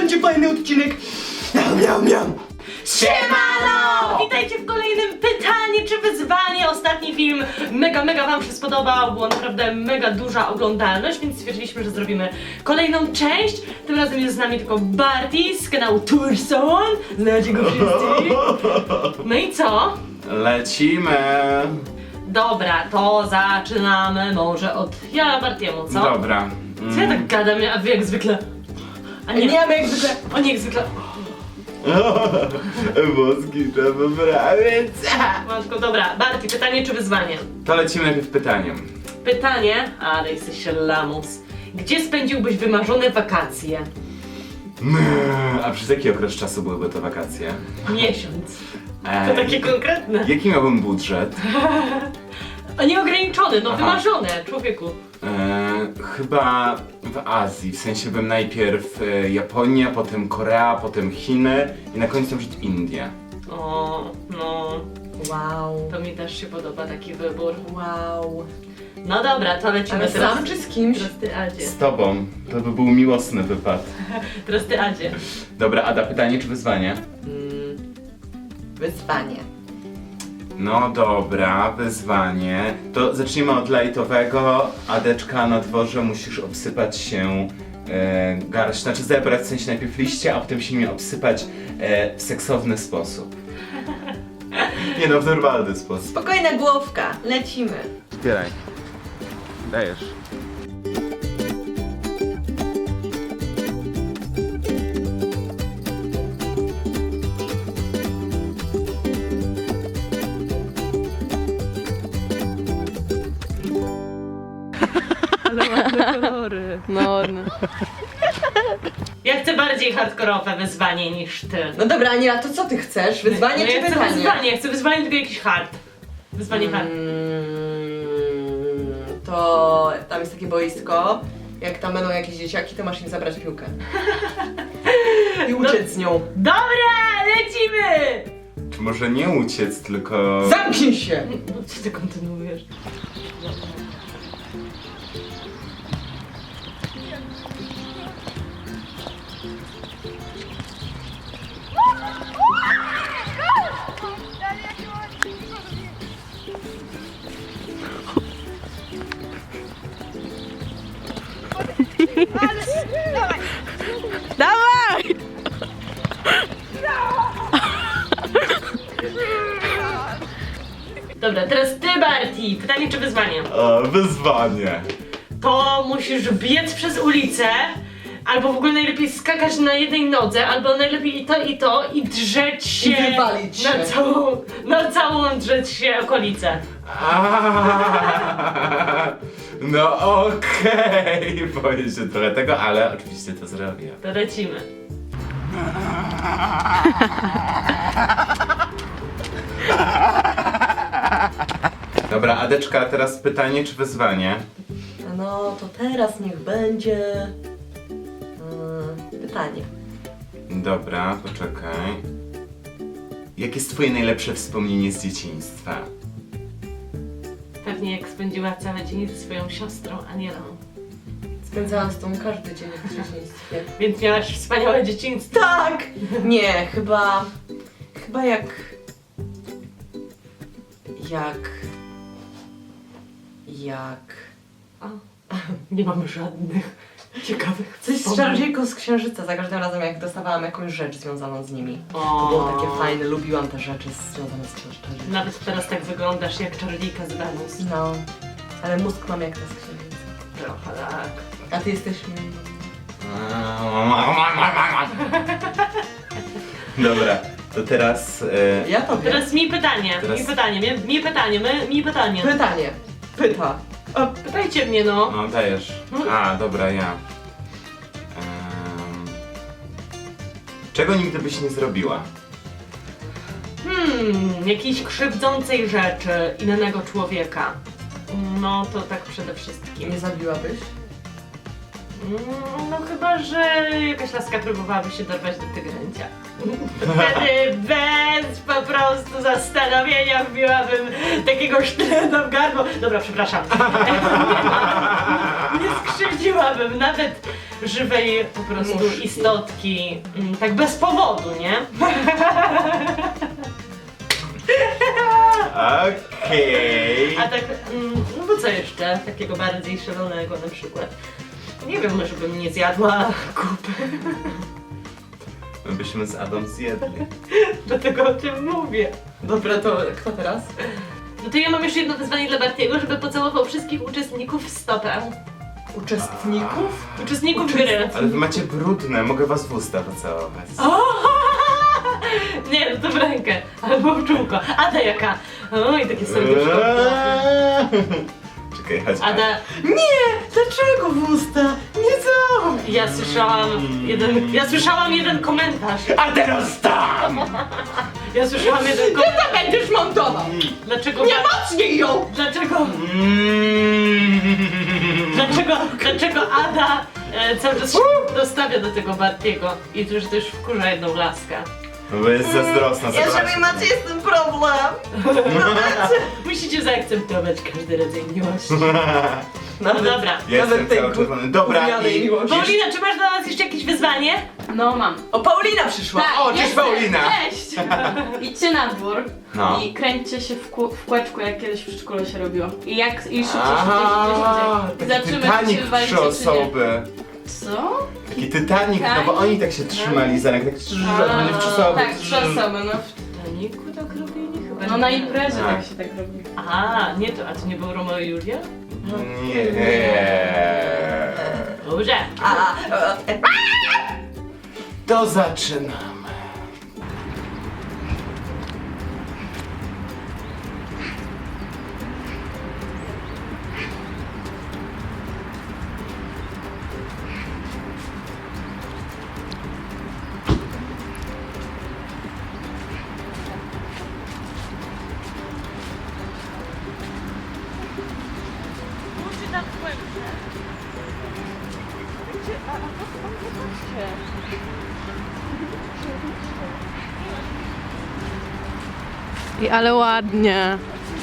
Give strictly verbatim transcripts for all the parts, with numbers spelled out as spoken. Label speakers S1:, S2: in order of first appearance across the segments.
S1: będzie fajny odcinek. Miam, miam, miam.
S2: Siemano! Witajcie w kolejnym pytanie czy wyzwanie. Ostatni film mega, mega wam się spodobał. Była naprawdę mega duża oglądalność, więc stwierdziliśmy, że zrobimy kolejną część. Tym razem jest z nami tylko Barty z kanału Turson. Znacie go wszyscy. No i co?
S3: Lecimy!
S2: Dobra, to zaczynamy może od ja Bartiemu, co?
S3: Dobra.
S2: Co ja tak gadam, a wy jak zwykle? A nie,
S1: Nie, my jak zwykle.
S2: oni jak zwykle.
S3: Włoski trzeba wyprawić.
S2: Matko, dobra, Barty, pytanie czy wyzwanie?
S3: To lecimy najpierw pytaniem.
S2: Pytanie, ale jesteś lamus. Gdzie spędziłbyś wymarzone wakacje?
S3: A przez jaki okres czasu byłyby to wakacje?
S2: Miesiąc.
S3: Eee,
S2: To takie konkretne.
S3: Jaki miałbym budżet?
S2: A nieograniczony, no
S3: Aha.
S2: wymarzone, człowieku.
S3: Eee, chyba w Azji, w sensie bym najpierw e, Japonia, potem Korea, potem Chiny i na końcu może Indie.
S2: O, no,
S1: Wow.
S2: to mi też się podoba taki wybór. Wow. No dobra, to lecimy
S1: Ale
S2: teraz.
S1: sam czy z kimś?
S2: Teraz ty, Adzie.
S3: Z tobą. To by był miłosny wypad.
S2: Teraz ty, Adzie.
S3: Dobra, Ada, pytanie czy wyzwanie?
S1: Mm, wyzwanie.
S3: No dobra, wyzwanie. To zacznijmy od lajtowego. Adeczka, na dworze musisz obsypać się e, garść, znaczy zebrać w sensie najpierw liście, a potem się nimi obsypać e, w seksowny sposób. Nie no, w normalny sposób.
S1: Spokojna głowka, lecimy.
S3: Zbieraj. Dajesz.
S2: Ale ładne kolory.
S1: No, no.
S2: Ja chcę bardziej hardkorowe wyzwanie niż ty.
S1: No dobra, Aniela, to co ty chcesz? Wyzwanie
S2: no
S1: czy
S2: ja chcę
S1: pytanie?
S2: wyzwanie, ja chcę wyzwanie, tylko jakiś hard. Wyzwanie hard.
S1: Mm, to tam jest takie boisko. Jak tam będą jakieś dzieciaki, to masz im zabrać piłkę. I uciec z nią.
S2: Dobra, lecimy!
S3: Czy może nie uciec, tylko...
S1: Zamknij się!
S2: No co ty kontynuujesz?
S4: Dawaj!
S2: Dobra, teraz ty, Barty. Pytanie czy wyzwanie?
S3: E, wyzwanie.
S2: To musisz biec przez ulicę, albo w ogóle najlepiej skakać na jednej nodze, albo najlepiej i to i to i drzeć się
S1: I wywalić
S2: na
S1: się.
S2: całą, na całą drzeć się okolicę.
S3: Aaaa, no okej, boję się trochę tego, ale oczywiście to zrobię.
S2: To lecimy.
S3: Dobra, Adeczka, teraz pytanie czy wyzwanie?
S1: No to teraz niech będzie... Mm, pytanie.
S3: Dobra, poczekaj. Jakie jest twoje najlepsze wspomnienie z dzieciństwa?
S2: Pewnie jak spędziła całe dzień ze swoją siostrą Anielą.
S1: Spędzałam z tą każdy dzień w dzieciństwie.
S2: Więc miałaś wspaniałe dzieciństwo.
S1: Tak! Nie, chyba... Chyba jak... Jak... Jak...
S2: O, nie mamy żadnych ciekawych
S1: Coś z
S2: wspomnień.
S1: Czarodziejką z Księżyca, za każdym razem jak dostawałam jakąś rzecz związaną z nimi.
S2: O.
S1: To było takie fajne, lubiłam te rzeczy związane z Czarodziejką.
S2: Nawet teraz tak wyglądasz jak czarodziejka z Wenus.
S1: No, ale mózg mam jak ta z Księżyca.
S2: Trochę tak.
S1: A ty jesteś... mm,
S3: Dobra, to teraz... E,
S1: Ja tobie.
S2: Teraz mi pytanie,
S3: Teraz-
S2: mi pytanie, mi, mi pytanie, my, mi pytanie.
S1: Pytanie. Pyta.
S2: O, pytajcie mnie no.
S3: no dajesz. A, dobra, ja. Em, czego nigdy byś nie zrobiła?
S2: Hmm, jakiejś krzywdzącej rzeczy innego człowieka. No to tak przede wszystkim.
S1: Nie zabiłabyś?
S2: Mm, No chyba, że jakaś laska próbowałaby się dorwać do tygręcia. Wtedy bez po prostu zastanowienia wbiłabym takiego sztyletu w gardło. Dobra, przepraszam. Nie skrzywdziłabym nawet żywej po prostu
S1: Muszki.
S2: istotki. mm, Tak bez powodu, nie?
S3: Okej.
S2: A tak, mm, no bo co jeszcze? Takiego bardziej szalonego na przykład. Nie wiem, może bym nie zjadła kupy.
S3: My byśmy z Adą zjedli.
S2: Dlatego o tym mówię.
S1: Dobra, to kto teraz?
S2: No to ja mam jeszcze jedno wyzwanie dla Bartiego, żeby pocałował wszystkich uczestników w stopę.
S1: Uczestników?
S2: Uczestników
S1: Uczest-
S2: gry.
S3: Ale wy macie brudne, mogę was w usta pocałować.
S2: O! Nie, no to w rękę. Albo w czółko. Ada jaka? Oj, takie serduszko.
S3: Czekaj, chodź.
S2: Ada,
S1: Nie! Dlaczego w usta? Nie co?
S2: ja słyszałam jeden, ja słyszałam jeden komentarz.
S3: A teraz tam!
S2: Ja słyszałam jeden
S1: Ty
S2: komentarz.
S1: to będziesz montował!
S2: Dlaczego?
S1: Nie mocniej ją!
S2: Dlaczego?
S3: Mm.
S2: Dlaczego, dlaczego Ada e, cały czas się dostawia do tego Bartiego i to, że też wkurza jedną laskę?
S3: No bo jest zazdrosna,
S1: Jeżeli
S3: zobaczcie.
S1: macie z tym problem,
S2: Musicie zaakceptować każdy rodzaj miłości. No
S1: nawet,
S2: dobra.
S3: Jestem
S1: nawet tej
S3: cały czerwony. Dobra,
S1: gównianej
S3: i...
S1: miłości.
S2: Paulina, czy masz dla nas jeszcze jakieś wyzwanie?
S4: No mam.
S1: O, Paulina przyszła!
S4: Tak,
S3: O, cześć
S4: jestem.
S3: Paulina!
S4: Cześć! Idźcie na dwór
S3: No.
S4: i kręćcie się w, kół, w kółeczku, jak kiedyś w przedszkolu się robiło. I jak i szybciej,
S3: Aha,
S4: szybciej, szybciej, szybciej.
S3: taki
S4: Zobaczymy, czy
S3: Titanic
S4: się
S3: w
S4: wywalicie,
S3: trzy
S4: czy nie.
S3: osoby.
S4: Co?
S3: Taki Titanic, no bo oni tak się trzymali za rękę, tak
S4: A,
S3: oni w trzy osoby.
S4: Tak, trzy osoby, no.
S2: Titaniku tak robili? Chyba
S4: No
S2: nie.
S4: na imprezie
S3: Tak.
S4: tak się tak robi.
S2: A, nie to, a to nie był Romeo i Julia?
S3: Nie.
S2: Dobrze.
S1: A, a, e,
S3: To zaczynamy.
S2: Musi tam głębsze.
S5: I ale ładnie.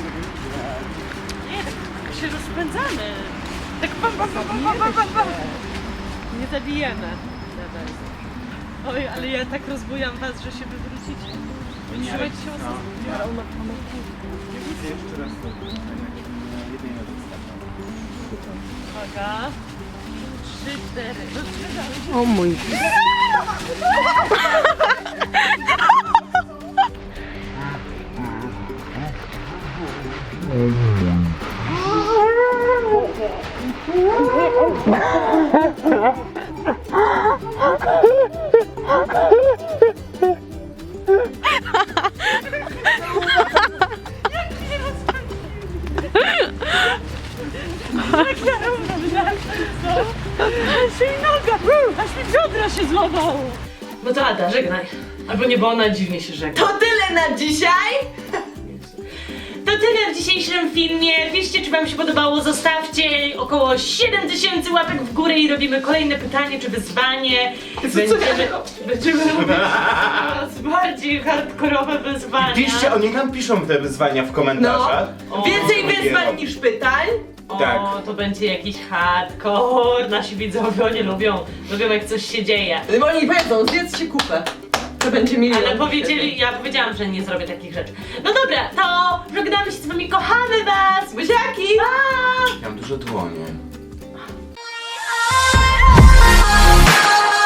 S2: Nie, tak się rozpędzamy. Tak pam, pam, pam, pam, pam, pam, pam. Nie zabijemy. Oj, ale ja tak rozbujam was, że się wywrócicie. Trzymajcie się mocno.
S3: Jeszcze raz to.
S2: Uwaga. Trzy, cztery. No, trzy,
S5: O mój.
S2: Aż mi biodra się złamało. No to Ada, żegnaj. Albo nie, bo ona dziwnie się żegna.
S1: to tyle na dzisiaj!
S2: To tyle w dzisiejszym filmie. Piszcie, czy wam się podobało. Zostawcie około siedem tysięcy łapek w górę i robimy kolejne pytanie czy wyzwanie. Będziemy, będziemy robić coraz bardziej hardkorowe wyzwania.
S3: Piszcie, oni nam piszą te wyzwania w komentarzach.
S2: O,
S1: Więcej
S3: to
S1: wyzwań
S3: robię.
S1: niż pytań.
S2: O,
S3: tak.
S2: to będzie jakiś hardcore. Nasi widzowie, oni lubią. Lubią jak coś się dzieje.
S1: Bo oni powiedzą, zjedzcie kupę. To będzie milion.
S2: Ale powiedzieli, ja powiedziałam, że nie zrobię takich rzeczy. No dobra, to żegnamy się z wami, kochamy was!
S1: Buziaki!
S2: Pa!
S3: Ja mam dużo dłonie.